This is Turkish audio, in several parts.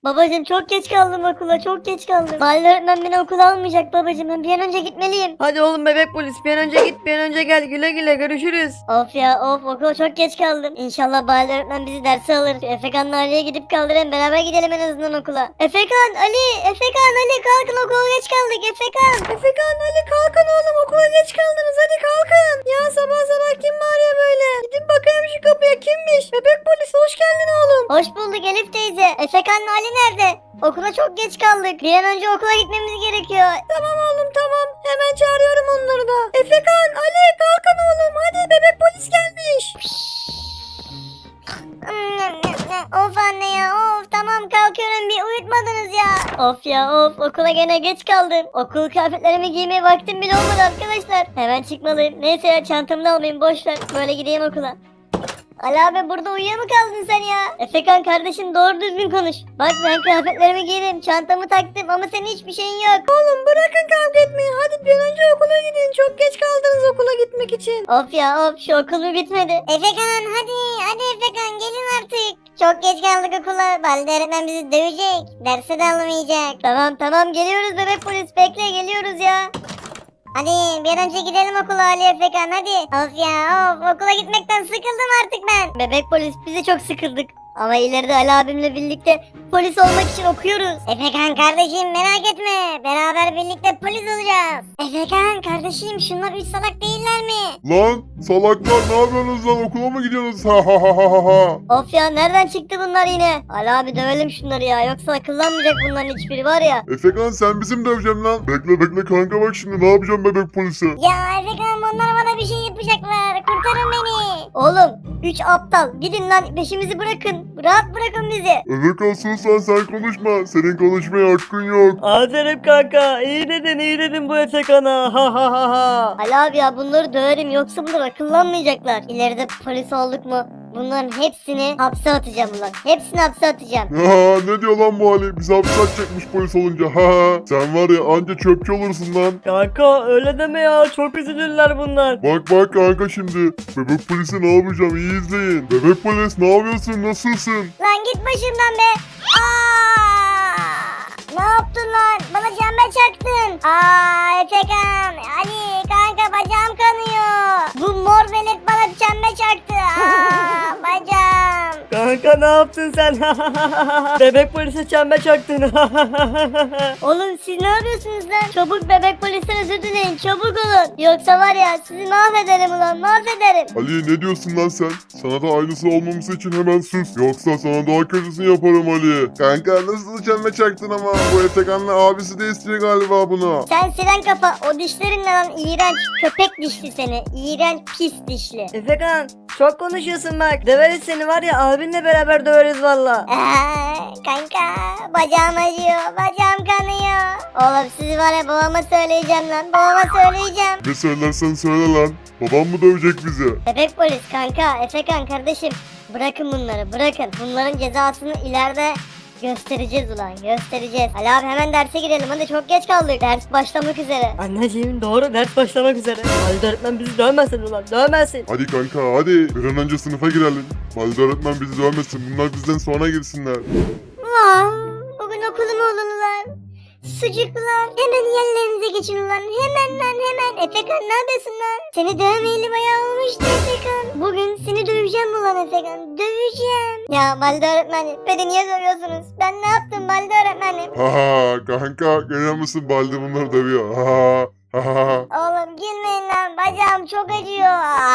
Babacım çok geç kaldım okula, çok geç kaldım. Mahalle öğretmen beni okula almayacak babacım. Ben bir an önce gitmeliyim. Hadi oğlum bebek polis, bir an önce git, bir an önce gel, güle güle, görüşürüz. Of ya of, okula çok geç kaldım. İnşallah mahalle öğretmen bizi derse alır. Şu Efekan'la Ali'ye gidip kaldırayım, beraber gidelim en azından okula. Efekan, Ali, Efekan, Ali kalkın, okula geç kaldık Efekan. Efekan, Ali kalkın oğlum, okula geç kaldınız, hadi kalkın. Ya sabah sabah kim bağırıyor böyle? Gidin bakayım şu kapıya, kimmiş? Bebek polis, hoş geldin oğlum. Hoş bulduk Elif teyze. Efekan'la Ali nerede? Okula çok geç kaldık. Bir an önce okula gitmemiz gerekiyor. Tamam oğlum tamam, hemen çağırıyorum onları da. Efekan, Ali kalkın oğlum, hadi bebek polis gelmiş. Of anne ya, of tamam kalkıyorum, bir uyutmadınız ya. Of ya of, okula gene geç kaldım. Okul kıyafetlerimi giymeye vaktim bile olmadı arkadaşlar. Hemen çıkmalıyım. Neyse ya, çantamı da almayayım, boş ver. Böyle gideyim okula. Ali abi, burada uyuya mı kaldın sen ya? Efekan kardeşim, doğru düzgün konuş. Bak ben kıyafetlerimi giydim, çantamı taktım ama senin hiçbir şeyin yok. Oğlum bırakın kavga etmeyi, hadi bir an önce okula gidin, çok geç kaldınız okula gitmek için. Of ya of, şu okul bir bitmedi. Efekan hadi Efekan, gelin artık. Çok geç kaldık okula. Balde öğretmen bizi dövecek. Derse de almayacak. Tamam geliyoruz bebek polis, bekle, geliyoruz ya. Hadi bir an önce gidelim okula Ali Efekan, hadi. Of ya of, okula gitmekten sıkıldım artık ben. Bebek polis, bize çok sıkıldık. Ama ileride Ali abimle birlikte polis olmak için okuyoruz. Efekan kardeşim, merak etme. Beraber birlikte polis olacağız. Efekan kardeşim, şunlar 3 salak değiller mi? Lan salaklar, ne yapıyorsunuz lan, okula mı gidiyorsunuz? Ha ha ha ha ha. Of ya, nereden çıktı bunlar yine? Ali abi dövelim şunları ya, yoksa akıllanmayacak bunların hiçbiri var ya. Efekan sen bizim döveceksin lan. Bekle kanka, bak şimdi ne yapacağım bebek polisi. Ya Efekan, onlar bana bir şey yapacaklar. Kurtarın beni. Oğlum 3 aptal, gidin lan, peşimizi bırakın. Rahat bırakın bizi. Efekan sus lan, sen konuşma. Senin konuşmaya hakkın yok. Aferin kanka, iyi dedin bu Efekan'a, ha ha ha ha. Ali abi ya, bunları döverim, yoksa bunlar akıllanmayacaklar. İleride polis olduk mu bunların hepsini hapse atacağım ulan. Hepsini hapse atacağım. Ya ne diyor lan bu Ali? Bizi hapse atacakmış polis olunca. Ha sen var ya, anca çöpçü olursun lan. Kanka öyle deme ya, çok üzülürler bunlar. Bak kanka şimdi. Bebek polisi ne yapacağım, iyi izleyin. Bebek polis ne yapıyorsun, nasılsın? Lan git başımdan be. Aa! Ne yaptın lan? Bana çember çaktın. Efekan, Ali kanka, bacağım kanıyor. Bu mor velet bana çember çaktı. Bacağım. Kanka ne yaptın sen? Bebek polise çember çaktın. Oğlum siz ne yapıyorsunuz lan? Çabuk bebek polisten özür dileyin, çabuk olun. Yoksa var ya, sizi mahvederim ulan, mahvederim. Ali ne diyorsun lan sen? Sana da aynısı olmaması için hemen sus. Yoksa sana daha kötüsünü yaparım Ali. Kanka nasıl çelme çaktın ama, bu Efekan'la abisi de istiyor galiba bunu. Sen siren kafa, o dişlerinle lan, iğrenç köpek dişli seni. İğrenç pis dişli. Efekan çok konuşuyorsun bak, döveriz seni var ya, abinle beraber döveriz valla. Kanka, bacağım acıyor, bacağım kanıyor. Oğlum sizi var ya, babama söyleyeceğim lan, babama söyleyeceğim. Ne söylersen söyle lan. Babam mı dövecek bizi? Bebek polis kanka, Efekan kardeşim, bırakın bunları, bırakın. Bunların cezasını ileride göstereceğiz ulan, göstereceğiz. Ali abi hemen derse girelim, hadi çok geç kaldık. Ders başlamak üzere. Anneciğim doğru, ders başlamak üzere. Halide öğretmen bizi dövmesin ulan, dövmesin. Hadi kanka hadi. Bir an önce sınıfa girelim. Valide öğretmen bizi dövmesin. Bunlar bizden sonra girsinler. Bugün okulum olun ulan. Sucuklar, hemen yerlerinize geçin ulan. Hemen lan hemen. Efekan ne yapıyorsun lan? Seni dövmeyeli bayağı olmuştu Efekan. Bugün seni döveceğim ulan Efekan. Döveceğim. Ya Balde öğretmenim, beni niye dövüyorsunuz? Ben ne yaptım Balde öğretmenim? Ha ha kanka, görüyor musun, Balde bunları dövüyor. Ha ha. Oğlum gülmeyin lan, bacağım çok acıyor.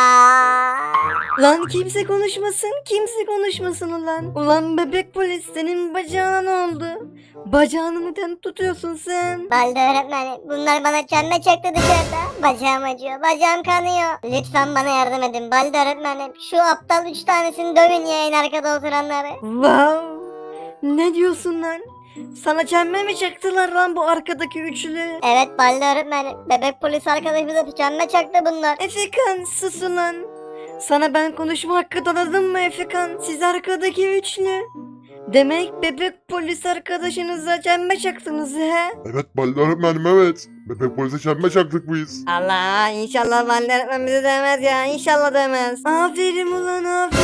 Lan kimse konuşmasın ulan. Ulan bebek polis, senin bacağına ne oldu? Bacağını neden tutuyorsun sen? Balde öğretmenim, bunlar bana çelme çaktı dışarıda. Bacağım acıyor, bacağım kanıyor. Lütfen bana yardım edin Balde öğretmenim. Şu aptal 3 tanesini dövün ya, en arkada oturanları. Wow. Ne diyorsun lan? Sana çembe mi çaktılar lan bu arkadaki üçlü? Evet Balde öğretmenim, bebek polis arkadaşımıza çelme çaktı bunlar. Efekan sus ulan. Sana ben konuşma hakkı tanıdım mı Efekan? Siz arkadaki üçlü. Demek bebek polis arkadaşınıza çembe çaktınız he? Evet Balde öğretmenim, evet. Bebek polise çelme çaktık biz. Allah, inşallah Valide öğretmen bizi demez ya, inşallah demez. Aferin ulan, aferin.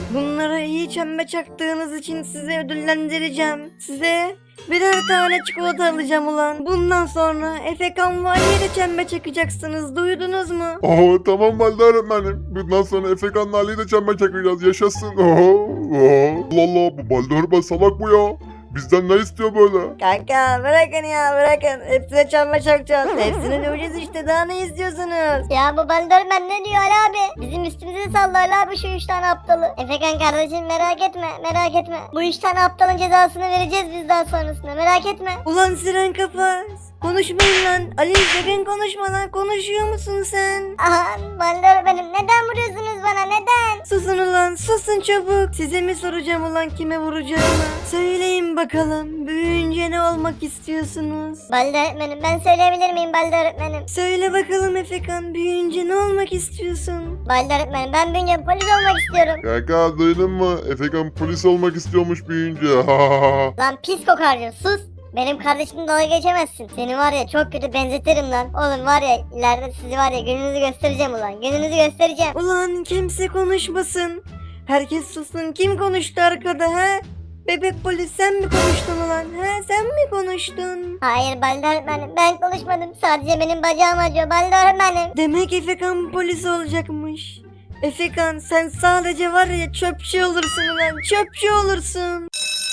Bunlara iyi çembe çaktığınız için sizi ödüllendireceğim. Size birer tane çikolata alacağım ulan. Bundan sonra Efekan ve Ali'ye de çembe çakacaksınız. Duydunuz mu? Tamam Balde öğretmenim. Bundan sonra Efekan'la Ali'yi de çember çakacağız. Yaşasın. Allah Allah, bu Balde öğretmen salak bu ya. Bizden ne istiyor böyle? Kanka bırakın ya bırakın. Hepsine çembe çakacağız. Hepsini döveceğiz işte. Daha ne istiyorsunuz? Ya bu Balderman ne diyor Ali abi? Bizim üstümüze salla Ali abi şu 3 tane aptalı. Efekan kardeşim merak etme merak etme. Bu 3 tane aptalın cezasını vereceğiz biz daha sonrasında, merak etme. Ulan siren kafa. Konuşmayın lan. Ali sakın konuşma lan. Konuşuyor musun sen? Aha Balderman'ım neden vuruyorsunuz bana, neden? Susun ulan susun çabuk. Size mi soracağım ulan kime vuracağımı? Söyleyin bakalım. Büyüyünce ne olmak istiyorsunuz? Balde öğretmenim ben söyleyebilir miyim Balde öğretmenim? Söyle bakalım Efekan. Büyüyünce ne olmak istiyorsun? Balde öğretmenim ben büyüyünce polis olmak istiyorum. Kanka duydun mu? Efekan polis olmak istiyormuş büyüyünce. Lan pis kokarcı sus. Benim kardeşimle dalga geçemezsin. Seni var ya çok kötü benzetirim lan. Oğlum var ya ileride sizi var ya gününüzü göstereceğim ulan. Gününüzü göstereceğim. Ulan kimse konuşmasın. Herkes sussun. Kim konuştu arkada ha? Bebek polis sen mi konuştun ulan? Ha sen mi konuştun? Hayır Balde öğretmenim ben konuşmadım. Sadece benim bacağım acıyor Balde öğretmenim. Demek Efekan polis olacakmış. Efekan sen sadece var ya çöpçü olursun ulan. Çöpçü olursun.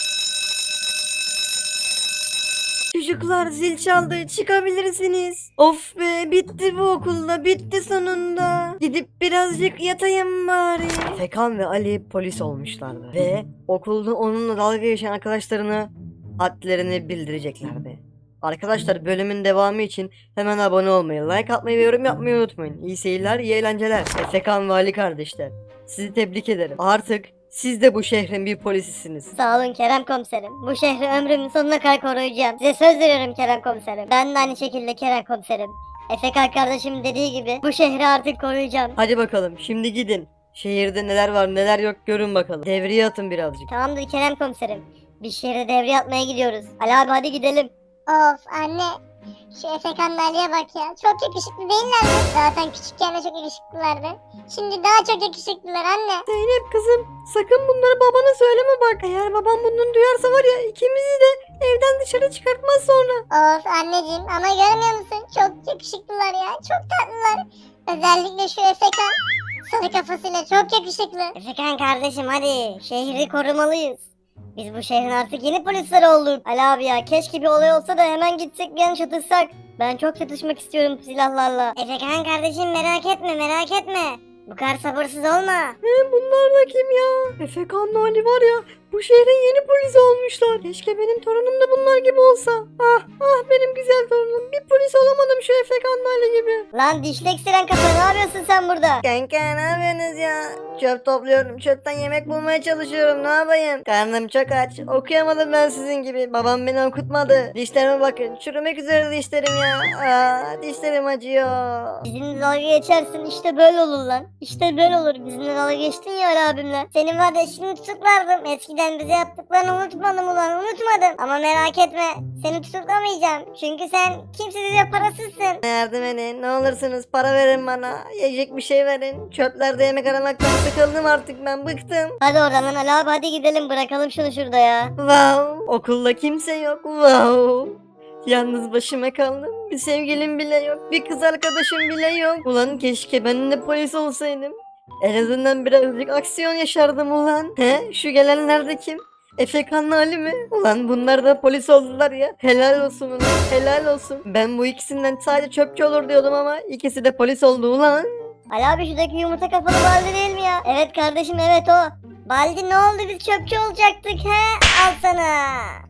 Çocuklar zil çaldı çıkabilirsiniz. Of be bitti bu okulda bitti sonunda. Gidip birazcık yatayım bari. Efekan ve Ali polis olmuşlardı. Ve okulda onunla dalga geçen arkadaşlarına hadlerini bildireceklerdi. Arkadaşlar bölümün devamı için hemen abone olmayı, like atmayı ve yorum yapmayı unutmayın. İyi seyirler, iyi eğlenceler. Efekan ve Ali kardeşler. Sizi tebrik ederim. Artık siz de bu şehrin bir polisisiniz. Sağ olun Kerem komiserim. Bu şehri ömrümün sonuna kadar koruyacağım. Size söz veriyorum Kerem komiserim. Ben de aynı şekilde Kerem komiserim. Efekan kardeşim dediği gibi bu şehri artık koruyacağım. Hadi bakalım şimdi gidin. Şehirde neler var neler yok görün bakalım. Devriye atın birazcık. Tamamdır Kerem komiserim. Biz şehre devriye atmaya gidiyoruz. Ali abi hadi gidelim. Of anne. Şu Efekan'la Ali'ye bak ya. Çok yakışıklı değiller mi? Zaten küçükken de çok yakışıklılardı. Şimdi daha çok yakışıklılar anne. Zeynep kızım sakın bunları babana söyleme bak. Eğer babam bunu duyarsa var ya ikimizi de evden dışarı çıkartmaz sonra. Of anneciğim ama görmüyor musun? Çok yakışıklılar ya. Çok tatlılar. Özellikle şu Efekan. Sarı kafasıyla çok yakışıklı. Efekan kardeşim hadi. Şehri korumalıyız. Biz bu şehrin artık yeni polisleri olduk. Ali abi ya keşke bir olay olsa da hemen gitsek bir an çatışsak. Ben çok çatışmak istiyorum silahlarla. Efekan kardeşim merak etme merak etme. Bu kadar sabırsız olma. Bunlar da kim ya? Efekan'la Ali var ya bu şehrin yeni polisi olmuşlar. Keşke benim torunum da bunlar gibi olsa. Ah benim güzel torunum. Bir polis olamadım şu Efekan'la Ali gibi. Lan dişlek siren kafa ne yapıyorsun sen burada? Kanka ne yapıyorsunuz ya? Çöp topluyorum. Çöpten yemek bulmaya çalışıyorum. Ne yapayım? Karnım çok aç. Okuyamadım ben sizin gibi. Babam beni okutmadı. Dişlerime bakın. Çürümek üzere dişlerim ya. Dişlerim acıyor. Bizimle dalga geçersin işte böyle olur lan. İşte böyle olur. Bizimle dalga geçtin ya Ali abimle. Senin var ya şimdi tutuklardım. Eskiden bize yaptıklarını unutmadım ulan unutmadım. Ama merak etme seni tutuklamayacağım. Çünkü sen kimsesiz parasızsın. Yardım edin. Ne olursunuz para verin bana. Yiyecek bir şey verin. Çöplerde yemek aramaktan sıkıldım artık ben. Bıktım. Hadi oradan lan Ali abi hadi gidelim bırakalım şunu şurada ya. Wow. Okulda kimse yok. Wow. Yalnız başıma kaldım. Bir sevgilim bile yok. Bir kız arkadaşım bile yok. Ulan keşke ben de polis olsaydım. En azından birazcık aksiyon yaşardım ulan. He? Şu gelenler de kim? Efekan'la Ali mi? Ulan bunlar da polis oldular ya. Helal olsun ulan. Helal olsun. Ben bu ikisinden sadece çöpçü olur diyordum ama ikisi de polis oldu ulan. Ali abi şuradaki yumurta kafalı Baldi değil mi ya? Evet kardeşim evet o. Baldi ne oldu biz çöpçü olacaktık he? Al sana.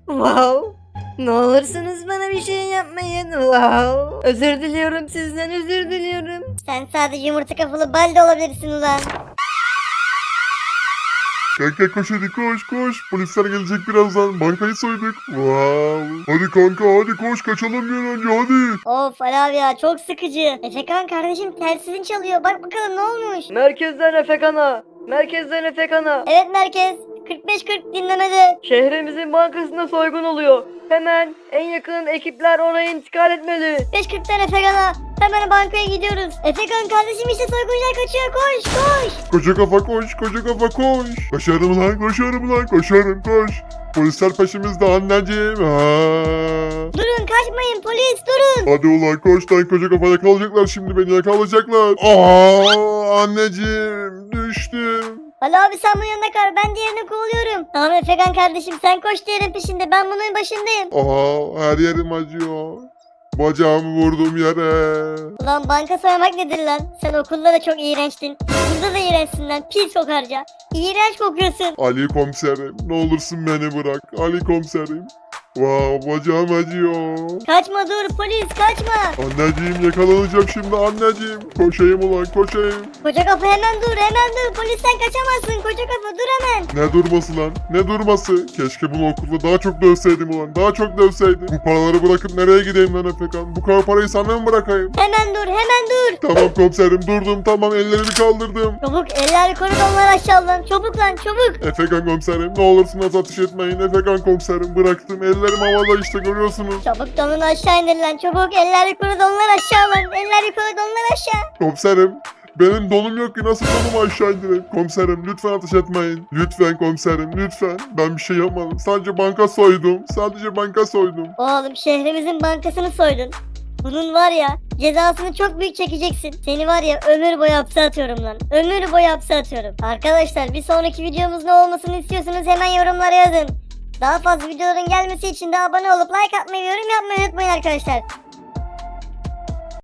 Wow. Ne olursunuz bana bir şey yapmayın. Wow. Özür diliyorum sizden özür diliyorum. Sen sadece yumurta kafalı Baldi olabilirsin ulan. Kanka koş hadi koş. Polisler gelecek birazdan. Bankayı soyduk. Wow. Hadi kanka hadi koş kaçalım bir an önce hadi. Of Ali abi ya çok sıkıcı. Efekan kardeşim telsizin çalıyor. Bak bakalım ne olmuş. Merkezden Efekan'a. Merkezden Efekan'a. Evet merkez. 45-40 dinlemede. Şehrimizin bankasında soygun oluyor. Hemen en yakın ekipler oraya intikal etmeli. 5.40'tan Efekan'a. Hemen bankaya gidiyoruz. Efekan kardeşim işte soyguncular kaçıyor. Koş koş. Koca kafa koş, koca kafa koş. Koşarım lan, koşarım lan, koşarım koş. Polisler peşimizde anneciğim. Durun kaçmayın polis durun. Hadi ulan koş lan, koca kafa yakalayacaklar şimdi beni, yakalayacaklar. Anneciğim düştüm. Ali abi sen bunun yanına kal. Ben diğerini kovalıyorum. Tamam Efekan kardeşim sen koş diğerin peşinde. Ben bunun başındayım. Her yerim acıyor. Bacağımı vurdum yere. Ulan banka soymak nedir lan? Sen okulda da çok iğrençtin. Burada da iğrençsin lan. Pis kokarca. İğrenç kokuyorsun. Ali komiserim, ne olursun beni bırak. Ali komiserim. Bacağım acıyor. Kaçma dur polis kaçma. Anneciğim yakalanacağım şimdi anneciğim. Koşayım ulan koşayım. Koca kafa hemen dur hemen dur. Polisten kaçamazsın koca kafa dur hemen. Ne durması lan? Ne durması? Keşke bunu okulda daha çok dövseydim ulan. Daha çok dövseydim. Bu paraları bırakıp nereye gideyim lan Efekan? Bu kadar parayı sana mı bırakayım? Hemen dur hemen dur. Tamam komiserim durdum tamam ellerimi kaldırdım. Çabuk eller yukarı donlar aşağı lan. Çabuk lan çabuk. Efekan komiserim ne olursunuz ateş etmeyin. Efekan komiserim bıraktım. Ellerim havada işte görüyorsunuz. Çabuk donunu aşağı indir lan. Çabuk eller yukarı donlar aşağı lan. Eller yukarı donlar aşağı. Komiserim benim donum yok ki nasıl donumu aşağı indireyim? Komiserim lütfen ateş etmeyin. Lütfen komiserim lütfen. Ben bir şey yapmadım. Sadece banka soydum. Sadece banka soydum. Oğlum şehrimizin bankasını soydun. Bunun var ya cezasını çok büyük çekeceksin. Seni var ya ömür boyu hapse atıyorum lan. Ömür boyu hapse atıyorum. Arkadaşlar bir sonraki videomuz ne olmasını istiyorsanız hemen yorumlara yazın. Daha fazla videoların gelmesi için de abone olup like atmayı ve yorum yapmayı unutmayın arkadaşlar.